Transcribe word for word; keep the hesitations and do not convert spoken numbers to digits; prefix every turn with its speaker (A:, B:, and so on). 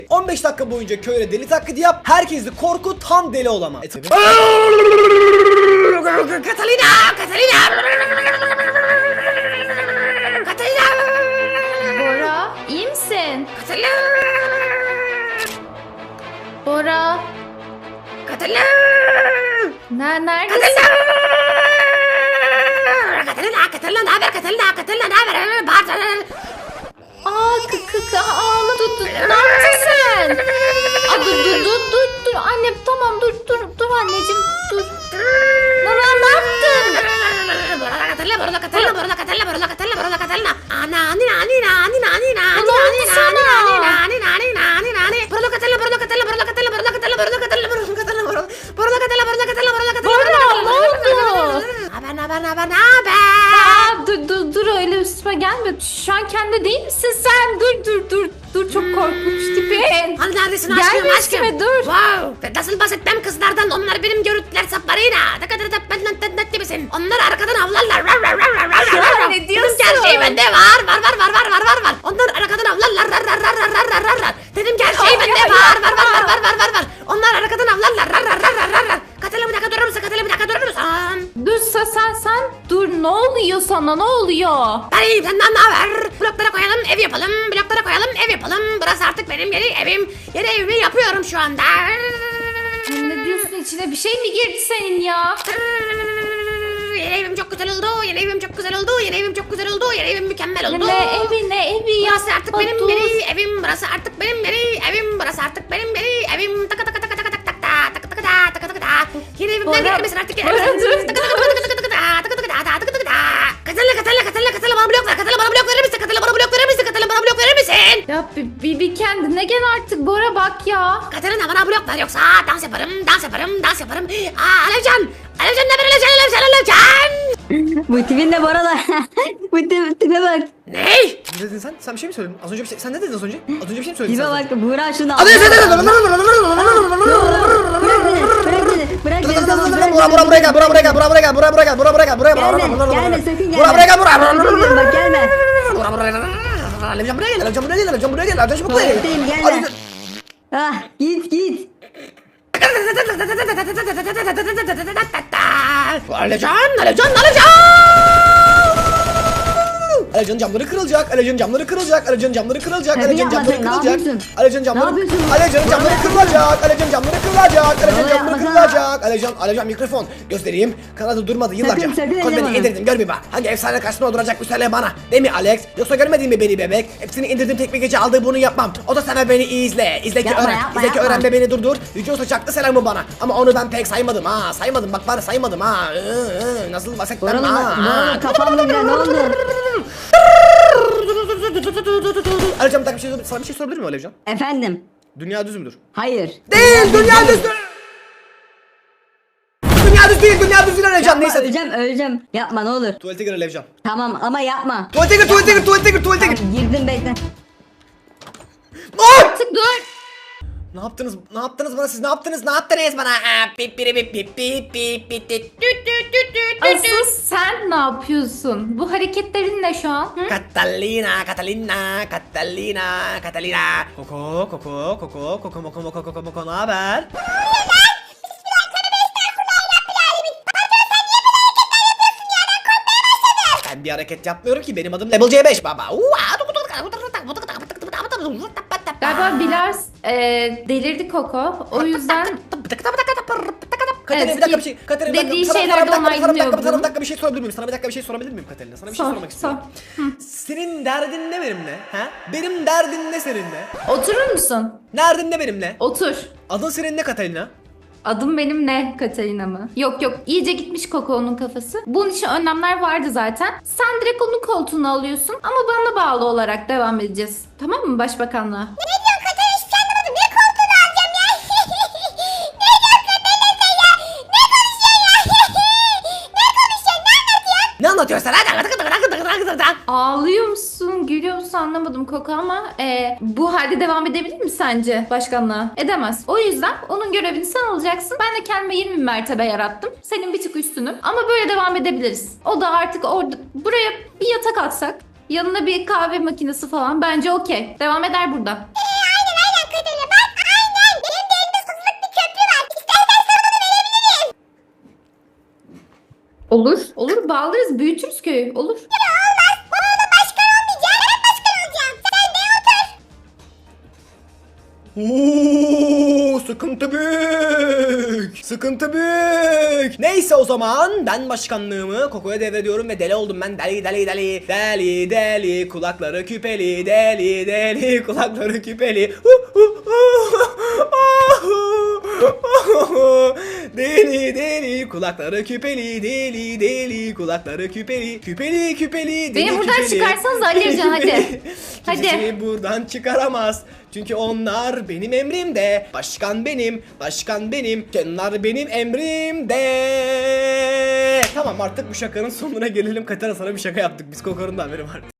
A: on beş dakika boyunca köyde deli taklidi yap. Herkesi korkut, tam deli olama. E, tabii.
B: Catalina! Catalina! Catalina!
C: Bora, iyi misin?
B: Catalina!
C: Bora,
B: Catalina!
C: ne neredesin?
B: Catalina! Catalina ne haber? Catalina! Catalina ne haber? Bağır.
C: Aa, kık kık ağla, dur dur. Ne yaptın sen? Aa, dur dur dur dur dur. Annem tamam dur dur dur anneciğim dur. Nana ne yaptın?
B: Borla Catalina, Borla Catalina, Borla Catalina, Borla Catalina, Borla Catalina. Ana, anina, anina, anina, anina,
C: Ne oldu sana?
B: anina, anina, anina, anina, anina. Borla Catalina, Borla Catalina, Borla Catalina, Borla Catalina, Borla Catalina, Borla Catalina, Borla Borla Catalina, Borla Catalina, Borla Catalina.
C: Bora, ne oldu?
B: Haber, haber, haber, ne haber?
C: Aa, dur dur dur öyle üstüme gelme. Şu an kendi değil misin sen? Dur dur dur. Dur çok korkunç tipin.
B: Hani neredesin
C: Gelme
B: aşkım,
C: üstüme,
B: aşkım?
C: dur.
B: Wow. Ve nasıl bahsetmem kızlardan, onlar benim görüntüler saplarıyla. Ne kadar da benden tendet gibisin. Onlar arkadan avlarlar. Rar, rar, rar, rar, rar,
C: Ya,
B: rar.
C: ne diyorsun?
B: Dedim ki her şey bende var. Var, var, var, var, var, var, var. Onlar arkadan avlarlar. Rar, rar, rar, rar, rar, rar, rar. Dedim ki her şey
C: Ya,
B: bende
C: ya,
B: var.
C: ya.
B: Var, var, var, var, var, var, var. Onlar arkadan avlarlar. Rar, rar, rar, rar, rar, rar. Katala bir dakika durur musun? Katala bir dakika durur musun?
C: Dur sen sen sen dur ne oluyor sana ne oluyor?
B: Ben iyiyim, senden ne haber? Bloklara koyalım, ev yapalım. Bloklara koyalım, ev yapalım. Burası artık benim yeni evim. Yeni evimi yapıyorum şu anda.
C: Sen ne diyorsun içine bir şey mi girdi senin ya?
B: Yeni evim çok güzel oldu. Yeni evim çok güzel oldu. Yeni evim çok güzel oldu. Yeni evim mükemmel oldu.
C: Ne evi ne evi ya?
B: Burası artık benim
C: Dur.
B: yeni evim. Burası artık benim yeni evim. Burası artık benim yeni evim. Taka taka taka taka taka taka taka taka taka taka taka taka. Yeni evimden
C: Bora,
B: gelir misin artık?
C: Bora, dur.
B: Taka taka taka taka taka taka taka taka taka taka taka. Katala katala katala katala bana blok ver. Katala bana blok verir misin? Katala bana blok verir misin? Katala bana blok verir misin?
C: Ya bir, bir, bir kendine gel artık Bora bak ya.
B: Katerina bana blok ver yoksa dans yaparım, dans yaparım, dans yaparım. Aa Alevcan! Alevcan ne haber Alevcan, Alevcan, Alevcan!
D: Bu tipin de Bora da. Bu tip, tipe bak.
B: Ne?
A: Ne dedin sen? Sen bir şey mi söyledin? Az önce bir şey... Sen ne dedin az önce? Az önce bir şey mi söyledin
D: Tipe
A: sen?
D: bak. Buğra şunu al.
A: Hadi sen
D: Bırak beni. Bırak beni. Bırak beni. Tamam bırak
A: Bura bura buraya gel, bura buraya gel, bura buraya gel, bura buraya gel, bura buraya gel, buraya
D: Gelme. Gelme sakın gelme.
A: Bura buraya gel, bura.
D: Sakın bak gelme.
A: Bura buraya gel. Alevcan buraya gel, Alevcan buraya gel, Alevcan buraya gel, Alevcan çabuk buraya gel.
D: Tuvaletteyim gelme. Ah git git.
B: Alevcan, Alevcan, Alevcan!
A: Alevcan'ın camları kırılacak, Alevcan'ın camları kırılacak, Alevcan'ın camları kırılacak,
D: Tabii
A: Alevcan'ın camları
D: yapmadın, ne
A: kırılacak.
D: yapıyorsun?
A: Alevcan'ın
D: Ne
A: camları...
D: yapıyorsun?
A: Alevcan'ın camları kırılacak, Alevcan'ın camları kırılacak, Alevcan'ın
D: Vallahi
A: camları
D: yapmasana.
A: kırılacak. Alevcan, Alevcan mikrofon göstereyim. Kanalda durmadı yıllarca.
D: Sakın, sakın
A: Koz
D: elleme
A: beni
D: onu.
A: indirdim, gör bir bak. Hangi efsane karşısına duracak bu söyle bana. Değil mi Alex? Yoksa görmedin mi beni bebek? Hepsini indirdim tek bir gece aldığı bunu yapmam. O da sana beni iyi izle. İzle ki
D: Yapma,
A: öğren.
D: yapma,
A: İzle ki
D: yapma.
A: öğren ve beni durdur. Yüce Usta çaktı selamı bana. Ama onu ben pek saymadım ha. Saymadım bak bari saymadım ha. Iı, ıı, Nasıl bahsettim
D: Bora'nın
A: ha.
D: Bora'nın kafamda bile ne oldu?
A: Alevcan bir dakika bir şey, sana bir şey sorabilir miyim Alevcan?
D: Efendim.
A: Dünya düz müdür?
D: Hayır.
A: Değil, dünya düz değil. Dünya düz değil, dünya düz değil Alevcan.
D: Yapma,
A: Neyse.
D: öleceğim öleceğim. Yapma ne olur.
A: Tuvalete gir Alevcan.
D: Tamam ama yapma.
A: Tuvalete gir, tuvalete gir, tuvalete gir, tuvalete gir.
D: Tamam, girdim bekle.
A: Ay!
C: Artık dur.
A: Ne yaptınız? Ne yaptınız bana siz? Ne yaptınız? Ne yaptınız bana? Aa, pip pip pip pip pip pip pip pip.
C: Asıl sen ne yapıyorsun? Bu hareketlerin ne şu an? Hı?
A: Catalina, Catalina, Catalina, Catalina. Koko, koko, koko, koko, moko, moko, koko, moko, ne haber? Ben bir hareket yapmıyorum ki, benim adım Level C beş baba.
C: Galiba biraz e, delirdi Koko. O yüzden
A: Katerina bir dakika bir şey. Katerina bir dakika.
C: dediği
A: Sana- sana
C: şeyleri
A: bir dakika, sana bir dakika,
C: onaylıyorum.
A: sana bir dakika bir şey sorabilir miyim? Sana bir dakika bir şey sorabilir miyim Katerina? Sana bir şey
C: Sor,
A: sormak istiyorum.
C: sor.
A: Senin derdin ne benimle? Ha? Benim derdin ne seninle?
C: Oturur musun?
A: Derdin ne benimle?
C: Otur.
A: Adın senin ne Katerina?
C: Adım benim ne Katarina mı? Yok yok iyice gitmiş Koko'nun kafası. Bunun için önlemler vardı zaten. Sen direkt onun koltuğunu alıyorsun ama bana bağlı olarak devam edeceğiz. Tamam mı başbakanlığa?
A: Ne anlatıyorsun sen? Hadi.
C: Ağlıyor musun, gülüyor musun anlamadım Koko ama e, bu halde devam edebilir mi sence başkanlığa? Edemez. O yüzden onun görevini sen alacaksın. Ben de kendime yirmi mertebe yarattım. Senin bir tık üstünüm. Ama böyle devam edebiliriz. O da artık orada buraya bir yatak atsak, yanına bir kahve makinesi falan bence okey. Devam eder burada.
B: Aynen aynen Katerina
C: Olur bağlarız büyütürüz köyü. Olur.
A: Oo, sıkıntı büyük. Sıkıntı büyük. Neyse o zaman ben başkanlığımı Koko'ya devrediyorum ve deli oldum ben. Deli deli deli. Deli deli kulakları küpeli. Deli deli kulakları küpeli. Deli deli kulakları küpeli. Deli deli kulakları küpeli. Küpeli küpeli.
C: Beni
A: deli
C: buradan
A: küpeli.
C: çıkarsanız Ali Ercan, hadi.
A: Kimse
C: Hadi.
A: seni buradan çıkaramaz. Çünkü onlar benim emrimde. Başkan benim, başkan benim. Onlar benim emrimde. Tamam artık bu şakanın sonuna gelelim. Katana sana bir şaka yaptık. Biz Koko'nun da haberi vardı.